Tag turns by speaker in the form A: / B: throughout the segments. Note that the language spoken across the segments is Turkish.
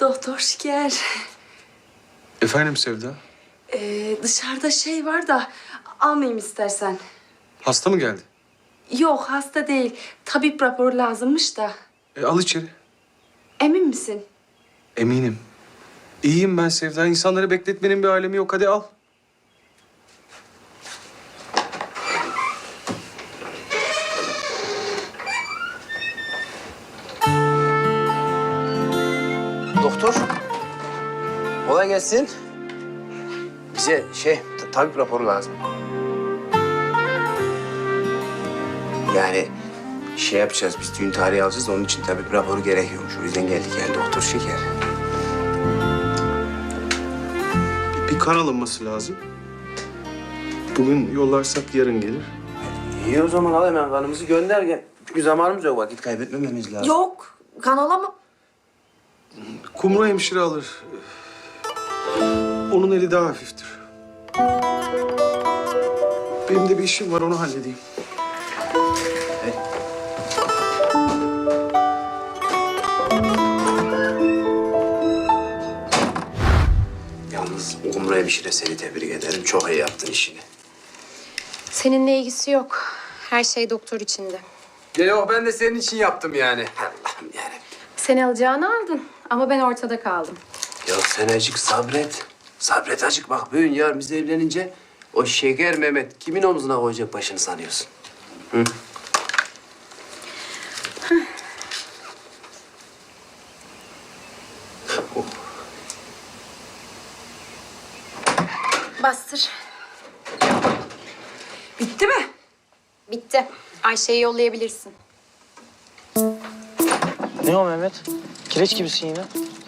A: Doktor Şeker.
B: Efendim Sevda?
A: Dışarıda şey var da almayayım istersen.
B: Hasta mı geldi?
A: Yok hasta değil. Tabip raporu lazımmış da.
B: Al içeri.
A: Emin misin?
B: Eminim. İyiyim ben Sevda. İnsanları bekletmenin bir alemi yok. Hadi al.
C: Doktor, kolay gelsin. Bize tabip raporu lazım. Yani yapacağız, biz düğün tarihi alacağız. Onun için tabip raporu gerekiyormuş. O yüzden geldik yani Doktor Şeker.
B: Bir kan alınması lazım. Bugün yollarsak yarın gelir.
C: İyi o zaman al hemen kanımızı gönder gel. Çünkü zamanımız yok, vakit kaybetmememiz lazım.
A: Yok. Kan alamam.
B: Kumru hemşire alır. Onun eli daha hafiftir. Benim de bir işim var, onu halledeyim.
C: Yalnız Kumru hemşire seni tebrik ederim. Çok iyi yaptın işini.
D: Seninle ilgisi yok. Her şey doktor içinde.
C: Yok ben de senin için yaptım yani. Allah'ım yani.
D: Seni alacağını aldın ama ben ortada kaldım.
C: Ya sen acık sabret. Sabret acık bak bugün yarın biz evlenince o Şeker Mehmet kimin omzuna koyacak başını sanıyorsun? Hı?
D: Bastır.
A: Bitti mi?
D: Bitti. Ayşe'yi yollayabilirsin.
E: Ne o Mehmet? Kireç gibisin yine.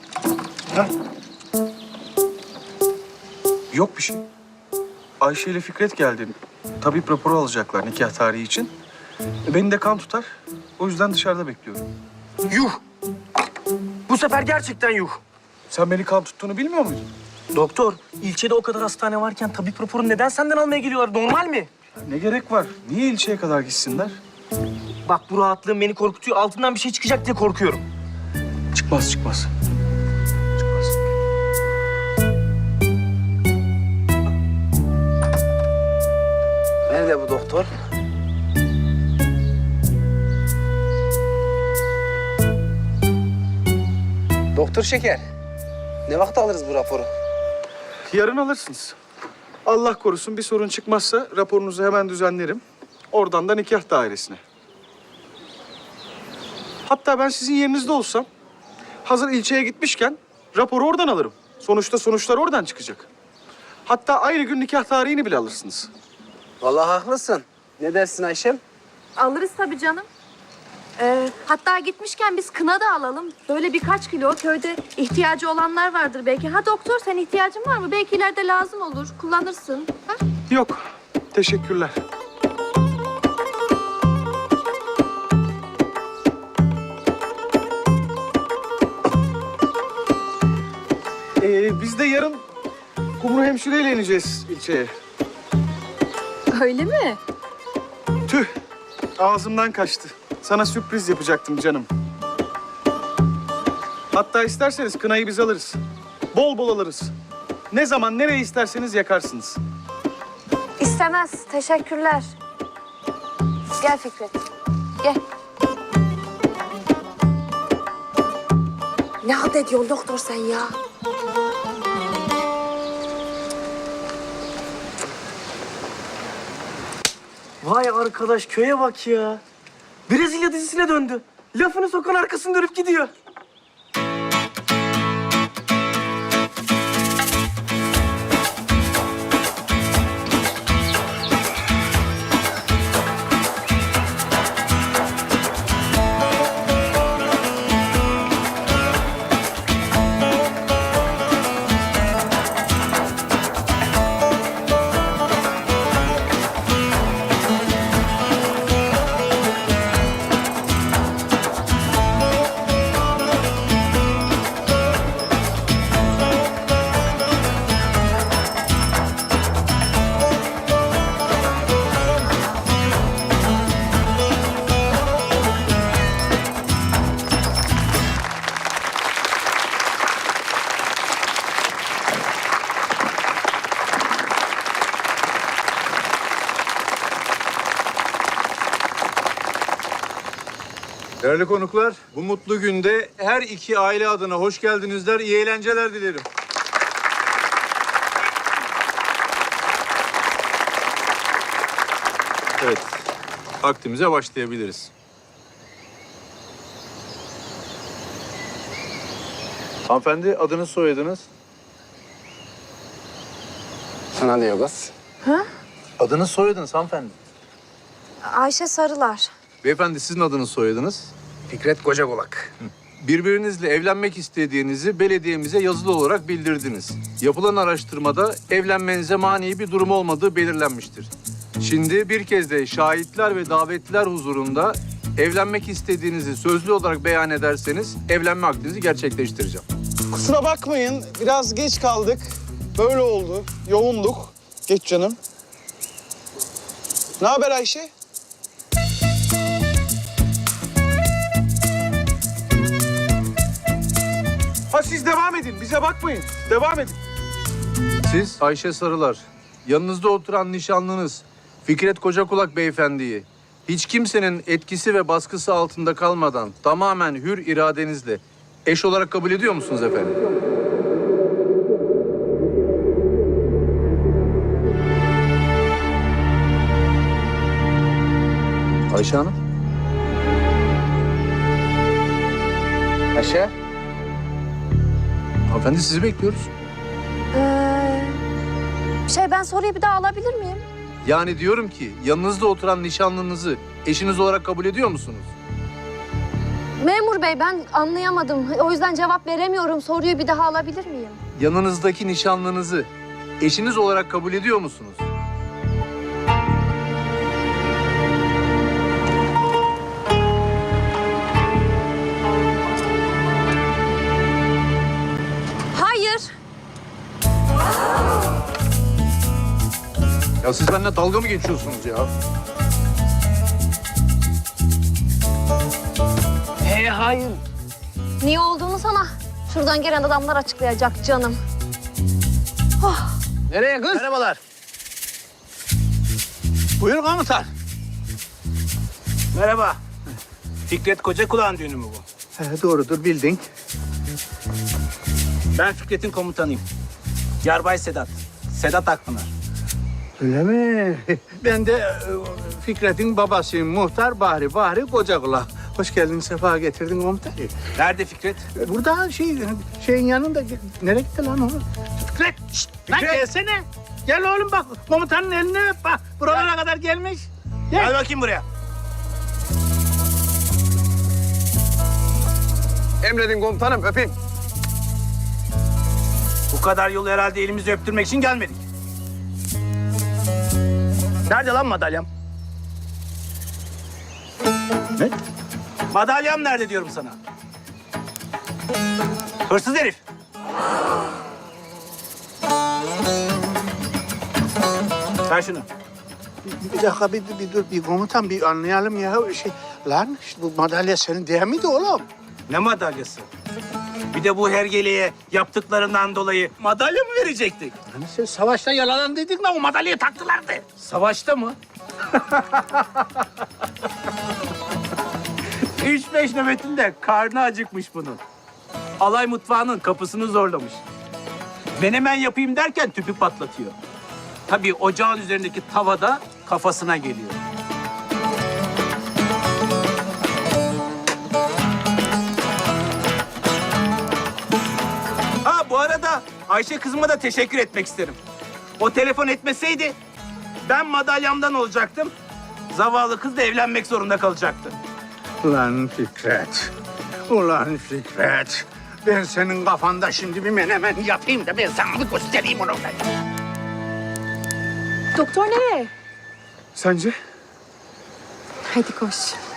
B: Yok bir şey. Ayşe ile Fikret geldi. Tabip raporu alacaklar nikah tarihi için. Beni de kan tutar. O yüzden dışarıda bekliyorum.
E: Yuh! Bu sefer gerçekten yuh.
B: Sen beni kan tuttuğunu bilmiyor muydun?
E: Doktor, ilçede o kadar hastane varken tabip raporunu neden senden almaya geliyorlar? Normal mi?
B: Ne gerek var? Niye ilçeye kadar gitsinler?
E: Bak bu rahatlığın beni korkutuyor. Altından bir şey çıkacak diye korkuyorum.
B: Çıkmaz. Çıkmaz.
C: Nerede bu doktor? Doktor Şeker. Ne vakit alırız bu raporu?
B: Yarın alırsınız. Allah korusun bir sorun çıkmazsa raporunuzu hemen düzenlerim. Oradan da nikah dairesine. Hatta ben sizin yerinizde olsam hazır ilçeye gitmişken raporu oradan alırım. Sonuçta sonuçlar oradan çıkacak. Hatta aynı gün nikah tarihini bile alırsınız.
C: Vallahi haklısın. Ne dersin Ayşem?
F: Alırız tabii canım. Hatta gitmişken biz kına da alalım. Böyle birkaç kilo köyde ihtiyacı olanlar vardır belki. Ha doktor sen ihtiyacın var mı? Belki ileride lazım olur. Kullanırsın. Ha?
B: Yok. Teşekkürler. Biz de yarın Kumru hemşireyle ineceğiz ilçeye.
F: Öyle mi?
B: Tüh. Ağzımdan kaçtı. Sana sürpriz yapacaktım canım. Hatta isterseniz kınayı biz alırız. Bol bol alırız. Ne zaman nereye isterseniz yakarsınız.
F: İstemez. Teşekkürler. Gel Fikret. Gel.
A: Ne halt ediyorsun doktor sen ya?
E: Vay arkadaş köye bak ya. Brezilya dizisine döndü. Lafını sokan arkasını dönüp gidiyor.
G: Değerli konuklar, bu mutlu günde her iki aile adına hoş geldinizler, iyi eğlenceler dilerim. Evet, aktimize başlayabiliriz. Hanımefendi, adınız, soyadınız?
C: Sana diyor kız.
G: Adınız, soyadınız hanımefendi.
F: Ayşe Sarılar.
G: Beyefendi, sizin adınız, soyadınız?
C: Fikret Kocakulak.
G: Birbirinizle evlenmek istediğinizi belediyemize yazılı olarak bildirdiniz. Yapılan araştırmada evlenmenize mani bir durum olmadığı belirlenmiştir. Şimdi bir kez de şahitler ve davetliler huzurunda evlenmek istediğinizi sözlü olarak beyan ederseniz evlenme akdinizi gerçekleştireceğim.
B: Kusura bakmayın, biraz geç kaldık. Böyle oldu, yoğunduk. Geç canım. Ne haber Ayşe? Ha siz devam edin, bize bakmayın. Devam edin.
G: Siz Ayşe Sarılar, yanınızda oturan nişanlınız Fikret Kocakulak beyefendiyi hiç kimsenin etkisi ve baskısı altında kalmadan tamamen hür iradenizle eş olarak kabul ediyor musunuz efendim? Ayşe Hanım.
C: Ayşe.
G: Hanımefendi sizi bekliyoruz.
F: Ben soruyu bir daha alabilir miyim?
G: Yani diyorum ki yanınızda oturan nişanlınızı eşiniz olarak kabul ediyor musunuz?
F: Memur bey ben anlayamadım. O yüzden cevap veremiyorum. Soruyu bir daha alabilir miyim?
G: Yanınızdaki nişanlınızı eşiniz olarak kabul ediyor musunuz?
F: Hayır.
G: Ya siz benimle dalga mı geçiyorsunuz ya?
E: Hayır.
F: Niye olduğunu sana şuradan gelen adamlar açıklayacak canım.
C: Nereye kız?
E: Merhabalar. Buyur komutan. Merhaba. Fikret Kocakulak'ın düğünü mü bu?
H: Doğrudur, bildin.
E: Ben Fikret'in komutanıyım. Yarbay Sedat. Sedat Akpınar.
H: Öyle mi? Ben de Fikret'in babasıyım, muhtar Bahri Kocakulak. Hoş geldin, sefa getirdin komutan.
E: Nerede Fikret?
H: Burada şeyin yanında. Nereye gitti lan o? Fikret, şşt, lan
E: Fikret!
H: gelsene. Gel oğlum bak, komutanın elini öp bak. Buralara kadar gelmiş.
E: Gel bakayım buraya.
C: Emredin komutanım, öpeyim.
E: Bu kadar yolu herhalde elimizi öptürmek için gelmedik. Nerede lan madalyam?
H: Ne?
E: Madalyam nerede diyorum sana? Hırsız herif. Ver şunu.
H: Bir dakika, bir dur, bir komutan, bir anlayalım ya. Lan işte bu madalya senin değil miydi oğlum?
E: Ne madalyası? Bir de bu hergeleye yaptıklarından dolayı madalya mı verecektik?
H: Hani sen savaşta yaralandıydık da o madalyayı taktılardı.
E: Savaşta mı? 3-5 nöbetinde karnı acıkmış bunun. Alay mutfağının kapısını zorlamış. Menemen yapayım derken tüpü patlatıyor. Tabii ocağın üzerindeki tavada kafasına geliyor. Ha bu arada Ayşe kızıma da teşekkür etmek isterim. O telefon etmeseydi ben madalyamdan olacaktım. Zavallı kız da evlenmek zorunda kalacaktı.
H: Ulan Fikret, ulan Fikret. Ben senin kafanda şimdi bir menemen yapayım da ben sana bir göstereyim onu.
D: Doktor nereye?
B: Sence?
D: Hadi koş.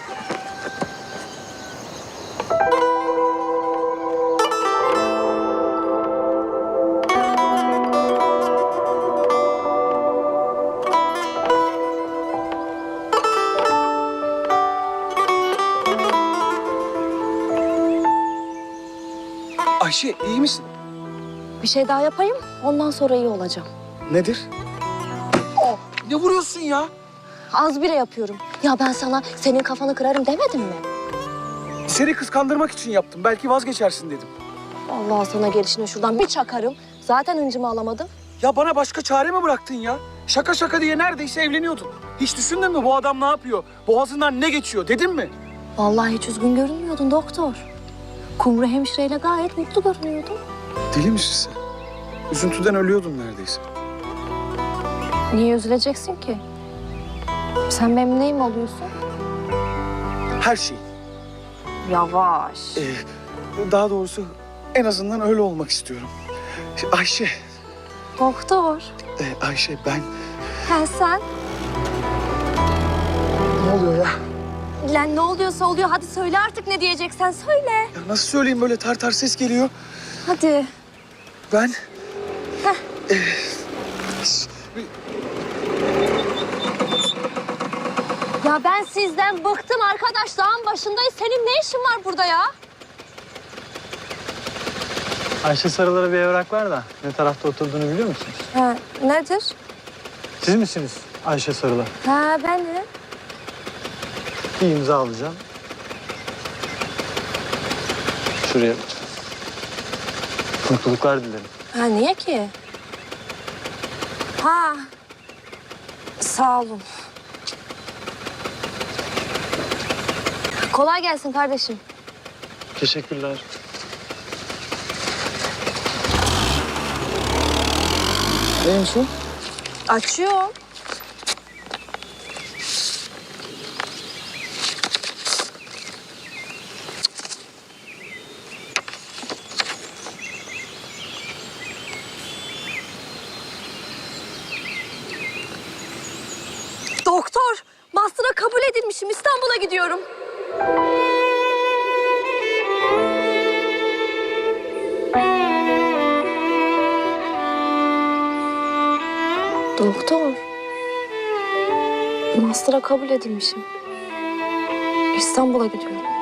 B: Ayşe iyi misin?
F: Bir şey daha yapayım. Ondan sonra iyi olacağım.
B: Nedir? Ne vuruyorsun ya?
F: Az bile yapıyorum. Ya ben sana senin kafanı kırarım demedim mi?
B: Seni kıskandırmak için yaptım. Belki vazgeçersin dedim.
F: Allah sana gelişine şuradan bir çakarım. Zaten hıncımı alamadım.
B: Ya bana başka çare mi bıraktın ya? Şaka şaka diye neredeyse evleniyordun. Hiç düşündün mü bu adam ne yapıyor? Boğazından ne geçiyor dedin mi?
F: Vallahi hiç üzgün görünmüyordun doktor. Kumru hemşireyle gayet mutlu görünüyordun.
B: Deli misin sen? Üzüntüden ölüyordum neredeyse.
F: Niye üzüleceksin ki? Sen benim neyim oluyorsun?
B: Her şey.
F: Yavaş.
B: Daha doğrusu en azından öyle olmak istiyorum. Ayşe,
F: Doktor.
B: Ayşe ben...
F: Sen.
B: Ne oluyor ya?
F: Lan ne oluyorsa oluyor. Hadi söyle artık ne diyeceksen söyle.
B: Ya nasıl söyleyeyim böyle tar tar ses geliyor.
F: Hadi.
B: Ben...
F: Ya ben sizden bıktım arkadaş. Dağın başındayız. Senin ne işin var burada ya?
I: Ayşe Sarılar'a bir evrak var da ne tarafta oturduğunu biliyor musunuz?
F: Ha, nedir?
I: Siz misiniz Ayşe Sarılar?
F: Ha benim.
I: Bir imza alacağım. Şuraya lütfen. Mutluluklar dilerim.
F: Ha niye ki? Ha. Sağ olun. Kolay gelsin kardeşim.
I: Teşekkürler.
B: Neymiş o?
F: Açıyorum. Doktor, master'a kabul edilmişim. İstanbul'a gidiyorum. Doktor, master'a kabul edilmişim. İstanbul'a gidiyorum.